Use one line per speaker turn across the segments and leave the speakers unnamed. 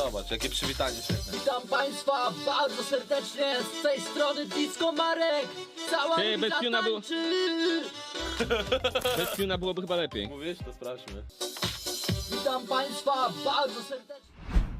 Zobacz, jakie przywitanie świetne.
Witam państwa bardzo serdecznie, z tej strony Disco Marek. Cała
Ty, bez
ulica
piuna było-
tańczy.
Bez piuna byłoby chyba lepiej.
Mówisz? To sprawdźmy.
Witam państwa bardzo serdecznie.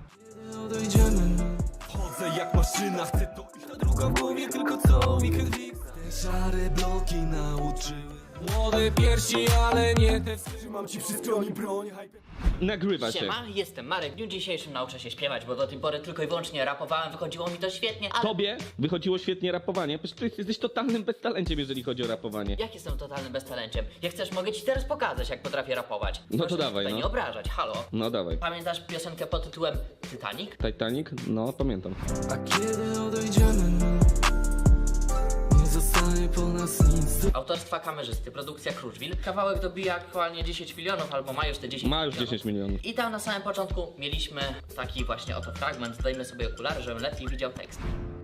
Chodzę jak maszyna, chcę to iść na druga w głowie, tylko co mi krwi. Te szare bloki nauczyły młode piersi, ale nie te. Trzymam ci przy stronie broń, hype.
Nagrywa się.
Siema, jestem Marek. W dniu dzisiejszym nauczę się śpiewać, bo do tej pory tylko i wyłącznie rapowałem, wychodziło mi to świetnie, ale...
Tobie wychodziło świetnie rapowanie. Przecież ty jesteś totalnym beztalenciem, jeżeli chodzi o rapowanie.
Jak jestem totalnym beztalenciem? Jak chcesz, mogę ci teraz pokazać, jak potrafię rapować.
No to
Proszę
dawaj,
tutaj
no.
nie obrażać, halo.
No dawaj.
Pamiętasz piosenkę pod tytułem Titanic?
Titanic? No, pamiętam.
A kiedy odejdziemy, nie zostanie po nas nic.
Autorstwa kamerzysty, produkcja Kruszwil. Kawałek dobija aktualnie 10 milionów, albo ma już te 10
Ma już
milionów.
10 milionów.
I tam na samym początku mieliśmy taki właśnie oto fragment. Dajmy sobie okulary, żebym lepiej widział tekst.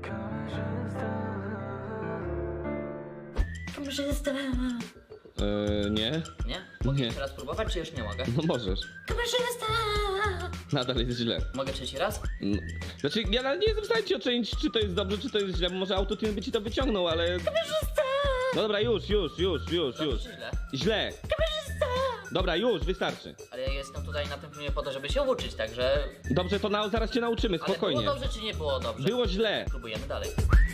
Kamerzysta.
Nie?
Nie? Mogę
Nie.
jeszcze raz próbować, czy już nie mogę?
No możesz.
Kamerzysta.
Nadal jest źle.
Mogę trzeci raz?
No. Znaczy, ja nawet nie jestem w stanie ci ocenić, czy to jest dobrze, czy to jest źle, bo może autotune by ci to wyciągnął, ale... No dobra, już.
Dobrze, czy źle?
Źle. Dobra, już, wystarczy.
Ale ja jestem tutaj na tym filmie po to, żeby się uczyć, także...
Dobrze, to zaraz cię nauczymy,
Ale
spokojnie.
było dobrze, czy nie było dobrze?
Było źle.
Próbujemy dalej.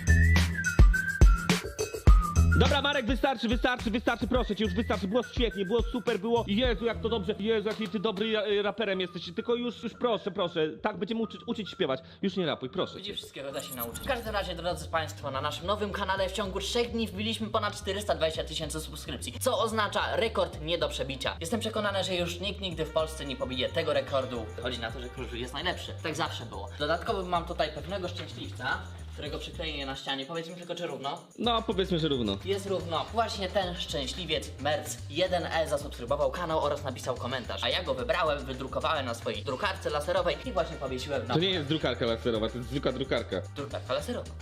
Dobra, Marek, wystarczy, proszę cię, już wystarczy, było świetnie, było super, było, Jezu, jak to dobrze, Jezu, jaki ty dobry raperem jesteś, tylko już proszę, tak będziemy uczyć śpiewać, już nie rapuj, proszę cię.
Widzisz, wszystkiego da się nauczyć. W każdym razie, drodzy Państwo, na naszym nowym kanale w ciągu 3 dni wbiliśmy ponad 420 000 subskrypcji, co oznacza rekord nie do przebicia. Jestem przekonany, że już nikt nigdy w Polsce nie pobije tego rekordu. Chodzi na to, że Kruszwil jest najlepszy. Tak zawsze było. Dodatkowo mam tutaj pewnego szczęśliwca, którego przykleję na ścianie. Powiedz mi tylko, czy równo?
No, powiedzmy, że równo.
Jest równo. Właśnie ten szczęśliwiec Merc1E zasubskrybował kanał oraz napisał komentarz. A ja go wybrałem, wydrukowałem na swojej drukarce laserowej i właśnie powiesiłem na...
To nie jest drukarka laserowa, to jest zwykła drukarka.
Drukarka laserowa.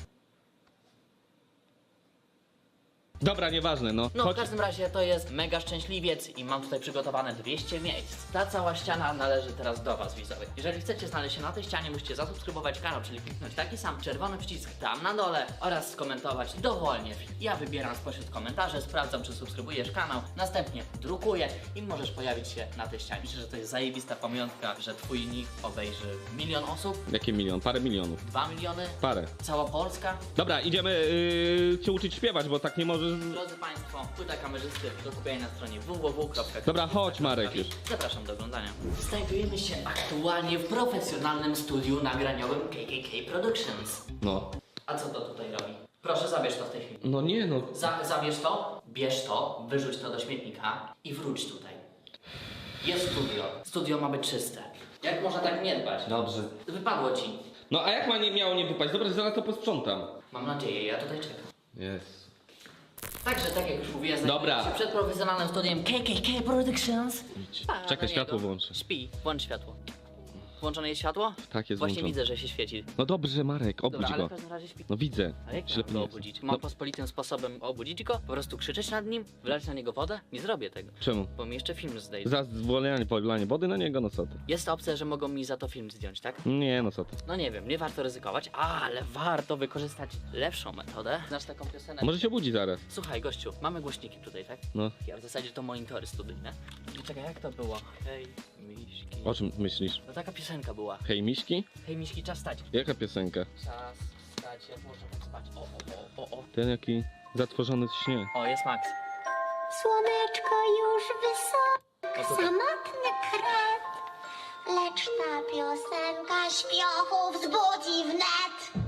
Dobra, nieważne, no.
No,
Chodź.
w każdym razie to jest mega szczęśliwiec i mam tutaj przygotowane 200 miejsc. Ta cała ściana należy teraz do was, widzowie. Jeżeli chcecie znaleźć się na tej ścianie, musicie zasubskrybować kanał, czyli kliknąć taki sam czerwony przycisk tam na dole oraz skomentować dowolnie. Ja wybieram spośród komentarzy, sprawdzam, czy subskrybujesz kanał, następnie drukuję i możesz pojawić się na tej ścianie. Myślę, że to jest zajebista pamiątka, że twój nick obejrzy 1 000 000 osób,
Jakie milion? Parę milionów.
2 miliony,
Parę.
cała Polska.
Dobra, idziemy cię uczyć śpiewać, bo tak nie możesz...
Drodzy Państwo, płyta kamerzysty do kupienia na stronie www.
Dobra, chodź, Marek, już.
Zapraszam do oglądania. Znajdujemy się aktualnie w profesjonalnym studiu nagraniowym KKK Productions.
No.
A co to tutaj robi? Proszę, zabierz to w tej chwili.
No nie, no.
Zabierz to, bierz to, wyrzuć to do śmietnika i wróć tutaj. Jest studio. Studio ma być czyste. Jak można tak nie dbać?
Dobrze.
Wypadło ci.
No a jak miało nie wypaść? Dobra, zaraz to posprzątam.
Mam nadzieję, ja tutaj czekam.
Jest.
Także, tak jak już mówiłem,
Dobra.
znajduję się przed profesjonalnym studiem KKK Productions.
Czekaj, światło włączę.
Śpi, włącz światło. Włączone jest światło?
Tak, jest
Właśnie
włączone.
widzę, że się świeci.
No dobrze, Marek, obudź
Dobra, ale
go.
w każdym razie śpi.
No widzę.
Ale jak
Ślepy
mam go
nie jestem.
obudzić? Mam pospolitym sposobem obudzić go? Po prostu krzyczeć nad nim? Wylać na niego wodę? Nie zrobię tego.
Czemu?
Bo mi jeszcze film zdejdzie.
Za polanie wody na niego, no co ty?
Jest opcja, że mogą mi za to film zdjąć, tak?
Nie, no co ty.
No nie wiem, nie warto ryzykować, ale warto wykorzystać lepszą metodę. Znasz taką piosenkę?
Może się budzi zaraz.
Słuchaj, gościu, mamy głośniki tutaj, tak?
No.
Ja w zasadzie to monitory studyjne. I czekaj, jak to było? Hej, miśki.
O czym myślisz?
No taka piosenka była.
Hej, miśki?
Hej, miśki, czas stać.
Jaka piosenka?
Czas stać, jak można tak spać. O.
Ten jaki zatworzony w śnie.
O, jest Max.
Słoneczko już wysoko,
O, super.
samotny kret, lecz ta piosenka śpiochów wzbudzi wnet.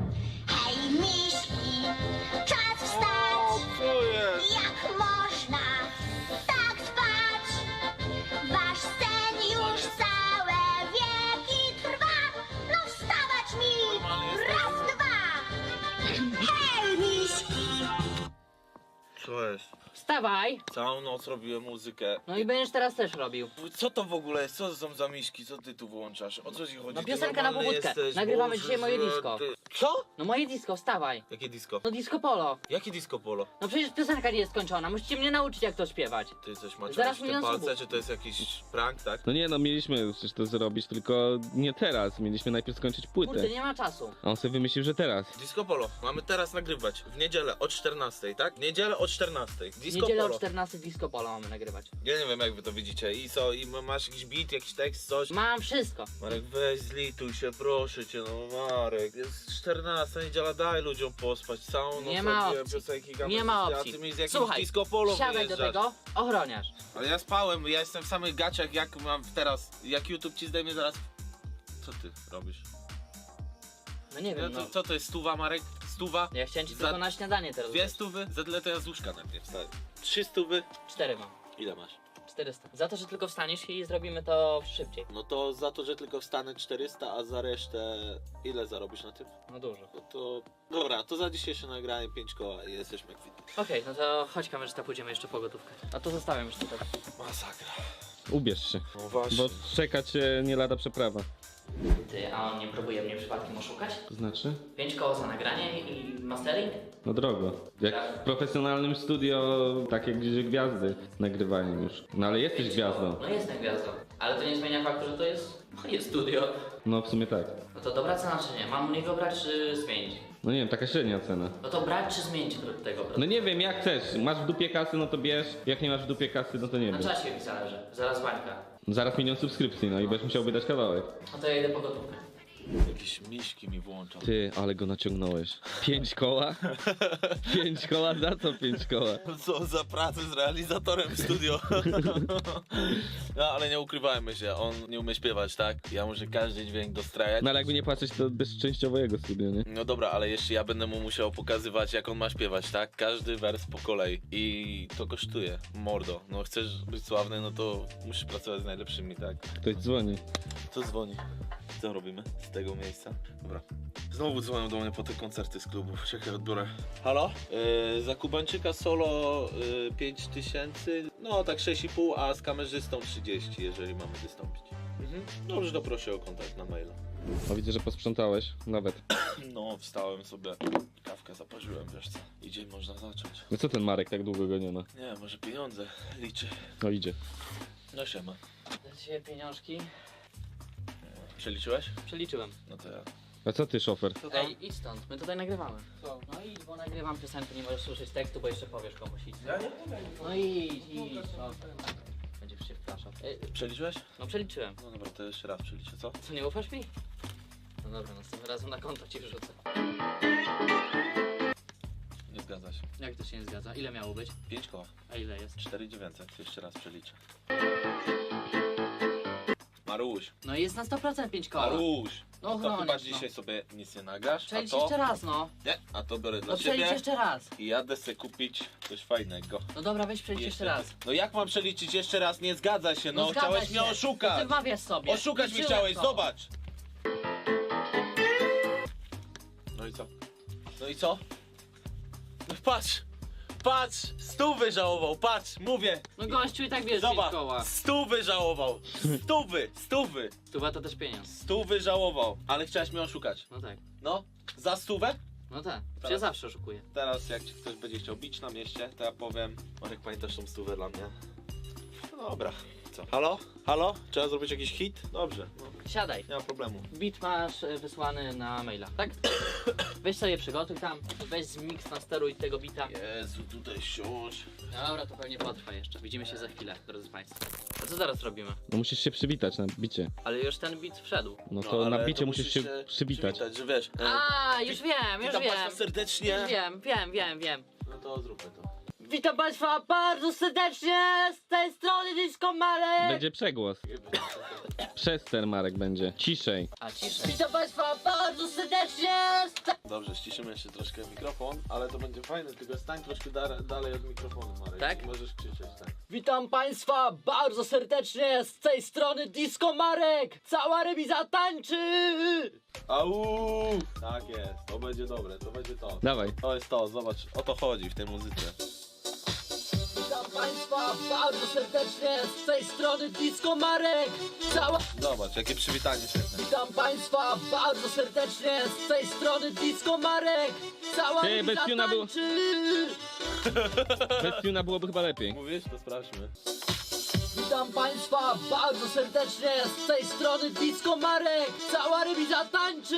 Hej miśki, czas wstać, jak można tak spać? Wasz sen już całe wieki trwa, no wstawać mi, raz, dwa. Hej miśki!
Co jest?
wstawaj!
Całą noc robiłem muzykę.
No i będziesz teraz też robił.
Co to w ogóle jest? Co to są za miśki? Co ty tu włączasz? O co ci chodzi?
No
Ty
piosenka na
normalny
pobudkę.
jesteś?
Nagrywamy
Boże,
dzisiaj moje
że
disco.
ty- Co?
No moje disco, wstawaj.
Jakie disco?
No disco polo.
Jakie disco polo?
No przecież piosenka nie jest skończona, musicie mnie nauczyć jak to śpiewać.
Ty coś macie
Zaraz
te
milion
palce,
subów.
czy to jest jakiś prank, tak?
No nie, no mieliśmy przecież to zrobić, tylko nie teraz. Mieliśmy najpierw skończyć płytę.
Kurde, nie ma czasu.
A on sobie wymyślił, że teraz.
Disco polo. Mamy teraz nagrywać. W niedzielę o 14, tak? W niedzielę o 14.
W
Disco
niedzielę o
polo.
14 disco polo mamy nagrywać.
Ja nie wiem jak wy to widzicie. I co? I masz jakiś beat, jakiś tekst, coś?
Mam wszystko.
Marek, weź zlituj się, proszę cię, no Marek. Jest 14 niedziela, daj ludziom pospać. Całą noc
Nie ma
robiłem
opcji.
piosenki,
Nie ma
gametyki,
opcji.
A ty mi z jakimś
Słuchaj,
disco polo
siadaj do
wyjeżdżasz.
tego, ochroniarz.
Ale ja spałem, ja jestem w samych gaciach, jak mam teraz. Jak YouTube ci zdejmie zaraz. Co ty robisz?
No nie
No,
wiem, no.
co to jest stuwa, Marek? Stuwa?
Ja chciałem ci
Za-
tylko na śniadanie teraz
Dwie
dać.
stówy? Za tyle to ja z łóżka najpierw wstaję. 3 stówy?
4 mam.
Ile masz?
400. Za to, że tylko wstaniesz i zrobimy to szybciej.
No to za to, że tylko wstanę 400, a za resztę ile zarobisz na tym?
No dużo.
No to... Dobra, to za dzisiejsze nagranie 5 koła i jesteśmy kwitni.
Okej, no to chodź kamerzysta, pójdziemy jeszcze po gotówkę. A to zostawiam już tutaj.
Masakra.
Ubierz się,
No właśnie.
bo czeka cię nie lada przeprawa.
Ty, a on nie próbuje mnie przypadkiem oszukać?
To znaczy?
5 koło za nagranie i mastering?
No drogo. Jak w profesjonalnym studio, takie gdzie gwiazdy nagrywają już. No ale jesteś gwiazdą.
No jestem gwiazdą. Ale to nie zmienia faktu, że to jest moje studio.
No w sumie tak.
No to dobra cena czy nie? Mam u niego brać czy zmienić?
No nie wiem, taka średnia cena.
No to brać czy zmienić tego?
No nie wiem, jak chcesz. Masz w dupie kasy, no to bierz. Jak nie masz w dupie kasy, no to nie
Na
wiem.
czasie mi zależy. Zaraz bańka.
Zaraz 1 000 000 subskrypcji, no i będziesz musiał wydać kawałek.
No to ja idę po gotówkę.
Jakieś miśki mi włączą.
Ty, ale go naciągnąłeś. 5 koła? 5 koła? Za co 5 koła?
Co za pracę z realizatorem w studio. No ale nie ukrywajmy się, on nie umie śpiewać, tak? Ja muszę każdy dźwięk dostrajać.
No ale jakby nie patrzeć, to bez częściowo jego studio, nie?
No dobra, ale jeszcze ja będę mu musiał pokazywać, jak on ma śpiewać, tak? Każdy wers po kolei. I to kosztuje. Mordo. No chcesz być sławny, no to musisz pracować z najlepszymi, tak?
Ktoś dzwoni.
Co dzwoni? Co robimy z tego miejsca? Dobra. Znowu dzwonią do mnie po te koncerty z klubu. Czekaj, odbiorę. Halo? Za Kubańczyka solo 5000, no tak 6,5, a z kamerzystą 30, jeżeli mamy wystąpić. Dobrze, to proszę o kontakt na maila.
O, widzę, że posprzątałeś. Nawet.
No, wstałem sobie, kawkę zaparzyłem, wiesz co. I dzień można zacząć.
No co ten Marek, tak długo go nie ma?
Nie, może pieniądze liczy.
No idzie.
No siema.
Za dzisiaj pieniążki
Przeliczyłeś?
przeliczyłem.
No to ja.
A co ty, szofer?
Co tam?
Ej, idź stąd, my tutaj nagrywamy. No idź, bo nagrywam piosenkę, nie możesz słyszeć tekstu, bo jeszcze powiesz komuś idź.
Ja nie
No idź, no. Będziesz się wpraszał.
Przeliczyłeś?
No przeliczyłem.
No dobra, to jeszcze raz przeliczę, co?
Co, nie ufasz mi? No dobra, następnym razem na konto ci wrzucę.
Nie zgadza się.
Jak to się nie zgadza? Ile miało być?
5 koła.
A ile jest?
4900, jeszcze raz przeliczę. Maruś,
No jest na 100% 5 koła.
Maruś!
No
to chyba
ochroniarz,
dzisiaj sobie nic nie nagrasz, a
Przelicz
to...
jeszcze raz, no.
Nie, a to biorę dla
No przelicz
ciebie
jeszcze raz.
i jadę sobie kupić coś fajnego.
No dobra, weź przelicz jeszcze raz.
No jak mam przeliczyć jeszcze raz? Nie zgadza się, no,
zgadza
chciałeś
się.
mnie
No
oszukać!
ty wmawiasz sobie.
Oszukać mnie
Liczyłem
chciałeś,
to.
zobacz! No i co? No i co? No patrz! Patrz! 100 żałował, patrz, mówię!
No gościu i tak wiesz 5
Zobacz!
koła.
100 żałował! 100!
Stuwa to też pieniądz.
100 żałował, ale chciałeś mnie oszukać.
No tak.
No, za 100?
No tak.
Teraz.
Ja zawsze oszukuję.
Teraz jak ci ktoś będzie chciał bić na mieście, to ja powiem: Marek, pamiętasz tą 100 dla mnie? No dobra, co? Halo? Halo? Trzeba zrobić jakiś hit? Dobrze, no,
Siadaj.
nie ma problemu.
Beat masz wysłany na maila, tak? Weź sobie przygotuj tam, weź zmiks, nasteruj tego beata.
Jezu, tutaj siąść.
Dobra, to pewnie potrwa jeszcze. Widzimy się za chwilę, drodzy Państwo. A co zaraz robimy?
No musisz się przywitać na bicie.
Ale już ten beat wszedł.
No to
ale
na bicie
to
musisz się przywitać.
że wiesz.
A, już wiem, już
Witam
wiem.
Państwa serdecznie.
Już wiem.
No to zróbmy to.
Witam Państwa bardzo serdecznie z tej strony Disco Marek.
Będzie przegłos. Przester Marek będzie. Ciszej.
A ciszej. Witam Państwa bardzo serdecznie z tej...
Dobrze, ściszymy jeszcze troszkę mikrofon, ale to będzie fajne, tylko stań troszkę dalej od mikrofonu, Marek.
Tak?
Możesz krzyczeć, tak.
Witam Państwa bardzo serdecznie z tej strony Disco Marek. Cała remiza tańczy.
Au! Tak jest, to będzie dobre, to będzie to.
Dawaj.
To jest to, zobacz, o to chodzi w tej muzyce.
Witam Państwa bardzo serdecznie z tej strony Disco Marek.
Zobacz, jakie przywitanie świetne.
Witam Państwa bardzo serdecznie z tej strony Disco Marek. Cała
Ty,
remiza
bez piuna było-
tańczy.
Bez tuna byłoby chyba lepiej.
Mówisz? To sprawdźmy.
Witam Państwa bardzo serdecznie z tej strony Disco Marek. Cała remiza tańczy.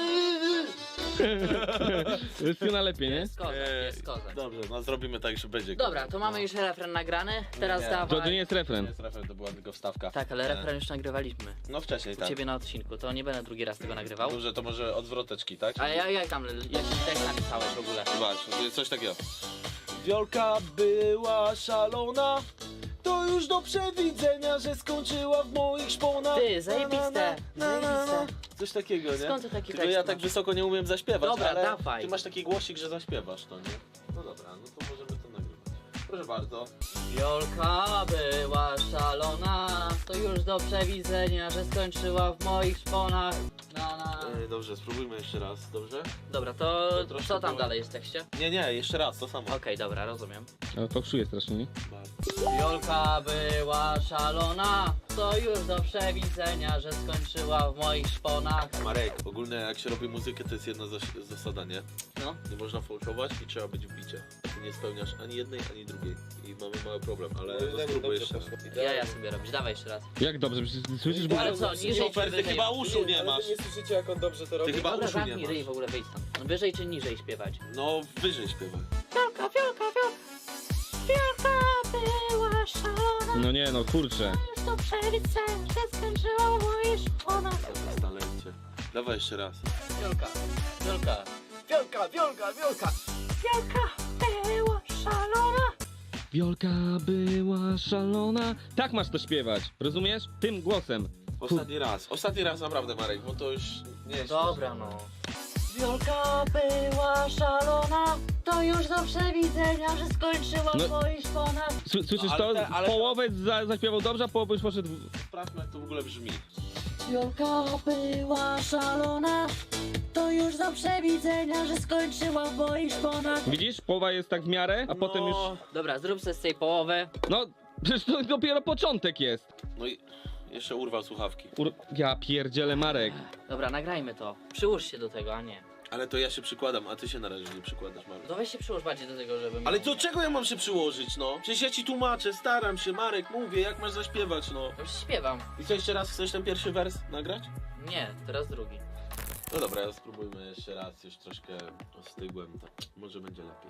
Bez tuna lepiej, nie?
Jest kozak, jest kozak.
Dobrze, no zrobimy tak, że będzie.
Dobra, to mamy już refren nagrany, teraz
Nie.
To nie
dawaj.
jest refren.
jest refren, to była tylko wstawka.
Tak, ale refren już nagrywaliśmy.
No wcześniej,
U
tak.
ciebie na odcinku, to nie będę drugi raz tego nagrywał.
Dobrze, to może od zwroteczki, tak?
A jak tam, jaki tekst napisałeś w ogóle?
Zobacz, coś takiego.
Wiolka była szalona, to już do przewidzenia, że skończyła w moich szponach.
Ty, zajebiste, zajebiste.
Coś takiego, nie?
Skąd ty taki
Tylko
tekst
ja tak
masz?
wysoko nie umiem zaśpiewać,
Dobra,
ale
dawaj.
ty masz taki głosik, że zaśpiewasz to, nie? No dobra, no to możemy to nagrywać. Proszę bardzo.
Wiolka była szalona, to już do przewidzenia, że skończyła w moich szponach. Na.
Dobrze, spróbujmy jeszcze raz, dobrze?
Dobra, to
To troszkę
co tam
było-
dalej jest w tekście?
Nie, jeszcze raz, to samo.
Okej, dobra, rozumiem.
Ale fałszuje strasznie, nie?
Wiolka była szalona, to już do przewidzenia, że skończyła w moich szponach.
Marek, ogólnie jak się robi muzykę, to jest jedna zasada, nie?
No.
Nie można fałszować i trzeba być w bicie. Ty nie spełniasz ani jednej, ani drugiej. I mamy mały problem, ale to spróbuj jeszcze.
Ja sobie robić, dawaj jeszcze raz.
Jak dobrze, przecież ty słyszysz, bo...
Ale co, niżej czy
Super, ty
wyżej?
chyba uszu nie
Ale
masz.
wy nie słyszycie, jak on dobrze to
Ty
robi?
chyba
Dobra,
uszu nie
zamknij ryj, w
masz.
ogóle wyjdź stąd. Wyżej czy niżej śpiewać?
No, wyżej śpiewaj.
Wiolka, wiolka, wiolka. Wiolka była szalona,
No nie, no kurczę.
już do przewidzenia, że skończyła w moich szponach.
Jest talencie. Dawaj jeszcze raz.
Wiolka, Wiolka.
Wiolka, wiolka, wiolka.
Wiolka była szalona.
Wiolka była szalona. Tak masz to śpiewać, rozumiesz? Tym głosem.
Ostatni raz naprawdę, Marek, bo to już nie jest...
Dobra no.
Wiolka była szalona, to już do przewidzenia, że skończyła
No.
w moich szponach.
Słyszysz
No,
to?
ale ale-
Połowę zaśpiewał dobrze, a połowę już poszedł...
Sprawdźmy, jak to w ogóle brzmi.
Wiolka była szalona, to już do przewidzenia, że skończyła w moich szponach.
Widzisz? Połowa jest tak w miarę, a potem już...
Dobra, zrób sobie z tej połowy.
No, przecież to dopiero początek jest.
No i jeszcze urwał słuchawki.
Ja pierdzielę, Marek.
Dobra, nagrajmy to. Przyłóż się do tego, a nie.
Ale to ja się przykładam, a ty się na razie nie przykładasz, Marek.
To weź się przyłóż bardziej do tego, żeby...
Ale do czego ja mam się przyłożyć, no? Przecież ja ci tłumaczę, staram się, Marek, mówię, jak masz zaśpiewać, no.
Już śpiewam.
I co, jeszcze raz chcesz ten pierwszy wers nagrać?
Nie, teraz drugi.
No dobra, ja spróbujmy jeszcze raz, już troszkę ostygłem, to może będzie lepiej.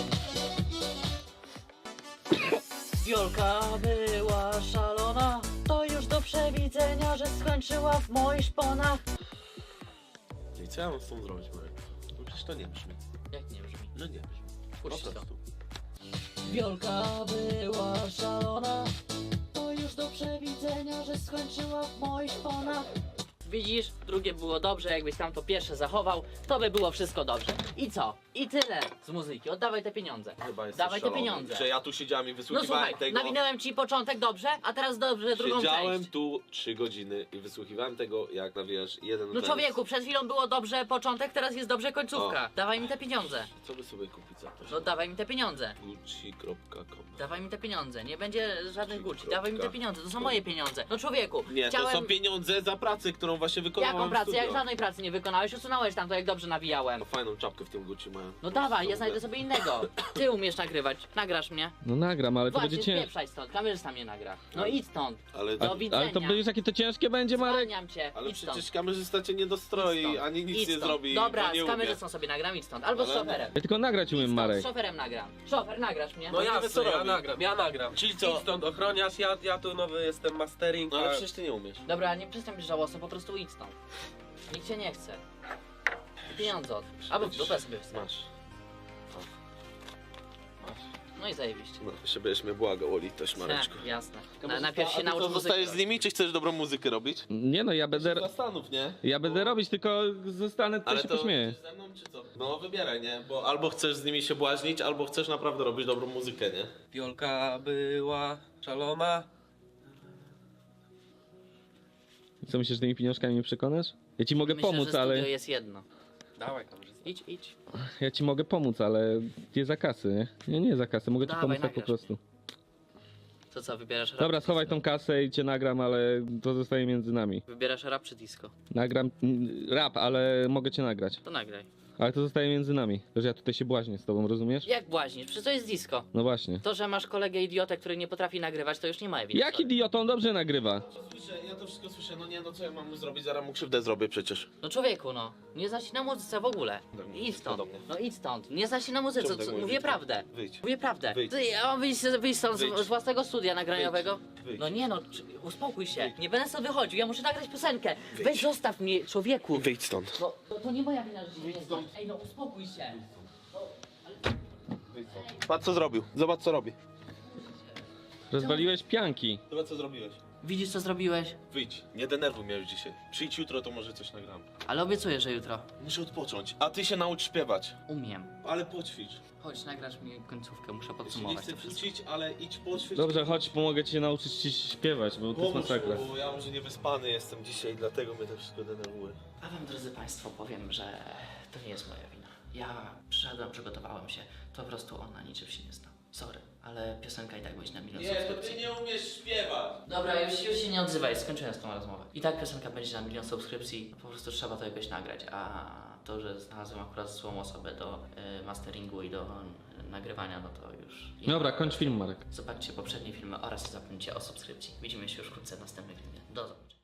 Wiolka była szalona, to już do przewidzenia, że skończyła w moich szponach.
I co ja mam z tą zrobić, Marek? No przecież to nie brzmi.
Jak nie brzmi?
No nie brzmi. Po
Puść to.
prostu.
Wiolka była szalona, to już do przewidzenia, że skończyła w moich szponach.
Widzisz, drugie było dobrze, jakbyś tam to pierwsze zachował, to by było wszystko dobrze. I co? I tyle z muzyki. Oddawaj te pieniądze.
Chyba jesteś
Dawaj te
szalony,
pieniądze.
że ja tu siedziałem i
No
wysłuchiwałem
słuchaj,
tego.
nawinąłem ci początek dobrze, a teraz dobrze drugą
Siedziałem
część.
tu 3 godziny i wysłuchiwałem tego, jak nawijasz jeden
No
wers.
człowieku, przed chwilą było dobrze początek, teraz jest dobrze końcówka. Dawaj mi te pieniądze.
Co by sobie kupić za to?
No dawaj mi te pieniądze.
Gucci.com.
Dawaj mi te pieniądze. Nie będzie żadnych Gucci.
Kropka.
Dawaj mi te pieniądze. To są moje pieniądze. No człowieku,
Nie,
chciałem...
to są pieniądze za pracę, którą właśnie wykonałem
Jaką
w
pracę?
studio.
Jak żadnej pracy nie wykonałeś, usunąłeś tam to, jak dobrze nawijałem.
No fajną czapkę w tym Gucci mają.
No dawaj, ja znajdę sobie innego. Ty umiesz nagrywać. Nagrasz mnie.
No nagram, ale to
Właśnie,
będzie ciężkie.
spieprzaj stąd. Kamerzysta mnie nagra. No idź stąd.
Ale,
Do widzenia.
Ale to będziesz jakie to ciężkie będzie, Marek?
Zwalniam cię.
ale
Idź stąd.
przecież kamerzysta cię nie dostroi,
Idź stąd.
ani nic
Idź
nie
stąd.
zrobi.
Dobra,
bo nie
z
umie.
kamerzystą sobie nagram, idź stąd. Albo z
Ale-
szoferem.
Ja tylko nagrać umiem,
Idź stąd,
Marek.
z szoferem nagram. Szofer, nagrasz mnie.
No
nie wie, co
jasne, ja
robi.
nagram.
Czyli co?
Idź stąd ochroniarz, ja tu nowy jestem mastering,
No ale
a...
przecież ty nie umiesz.
Dobra, nie przestań być żałosny, po prostu idź stąd. Nikt cię nie chce. I pieniądze od. Albo w dupę sobie wstaw.
Masz.
No i zajebiście.
No, jeszcze będziesz mnie błagał o litość, Mareczku.
Jasne. Najpierw się
A ty
naucz
to
muzyki.
zostajesz z nimi, czy chcesz dobrą muzykę robić?
Nie no, ja będę...
Zastanów, nie?
Ja będę robić, tylko zostanę, to
Ale
się
to
pośmieję.
chcesz ze mną, czy co? No wybieraj, nie? Bo albo chcesz z nimi się błaźnić, albo chcesz naprawdę robić dobrą muzykę, nie?
Wiolka była szalona.
Co myślisz, że tymi pieniążkami mnie przekonasz? Ja ci mogę
Myślę,
pomóc,
że
ale...
studio jest jedno.
Dawaj kamerzysta.
Idź.
Ja ci mogę pomóc, ale nie za kasy, nie? Nie za kasy, mogę ci
Dawaj,
pomóc tak po
nagrasz
prostu.
To co, wybierasz rap?
Dobra,
czy
schowaj
disco?
tą kasę i cię nagram, ale to zostaje między nami.
Wybierasz rap czy disco?
Nagram rap, ale mogę cię nagrać.
To nagraj.
Ale to zostaje między nami. Że ja tutaj się błaźnię z tobą, rozumiesz?
Jak błaźnisz? Przecież to jest disco.
No właśnie.
To, że masz kolegę idiotę, który nie potrafi nagrywać, to już nie ma winy.
Jak idiotą dobrze nagrywa?
Słyszę, ja to wszystko słyszę, no nie, no co ja mam mu zrobić, zaraz mu krzywdę zrobię przecież.
No człowieku, no. Nie znasz się na muzyce w ogóle. Idź stąd.
do mnie.
No idź stąd. Nie znasz się na muzyce.
Czemu tak mówisz?
Mówię prawdę.
Wyjdź.
Mówię prawdę.
Wyjdź.
Ty, ja mam wyjść stąd
Wyjdź.
z własnego studia nagraniowego.
Wyjdź.
No nie no, uspokój się. Nie będę sobie wychodził, ja muszę nagrać piosenkę. Weź zostaw mnie, człowieku.
Wyjdź stąd.
No to nie moja wina, że się nie znam. Ej no uspokój się.
Patrz co zrobił, zobacz co robi.
Rozwaliłeś pianki.
Zobacz co zrobiłeś.
Widzisz co zrobiłeś?
Wyjdź, nie denerwuj mnie już dzisiaj. Przyjdź jutro, to może coś nagram.
Ale obiecuję, że jutro.
Muszę odpocząć, a ty się naucz śpiewać.
Umiem.
Ale poćwicz.
Chodź, nagrasz mi końcówkę, muszę
Ja się nie
podsumować
chcę
to wszystko.
kłócić, ale idź poćwicz.
Dobrze, chodź, pomogę ci nauczyć ci śpiewać, bo to jest
Pomóż,
masakra.
bo ja może niewyspany jestem dzisiaj, dlatego mnie to wszystko denerwuje.
A wam, drodzy państwo, powiem, że to nie jest moja wina. Ja przyszedłem, przygotowałem się, to po prostu on na niczym się nie zna. Sorry, ale piosenka i tak będzie na milion subskrypcji.
nie umiesz śpiewać.
Dobra, już się nie odzywaj, skończyłem z tą rozmowę. I tak piosenka będzie na milion subskrypcji, po prostu trzeba to jakoś nagrać, a to, że znalazłem akurat złą osobę do masteringu i do nagrywania, no to już...
Dobra, kończ film, Marek.
Zobaczcie poprzednie filmy oraz zapomnijcie o subskrypcji. Widzimy się już wkrótce w następnym filmie. Do zobaczenia.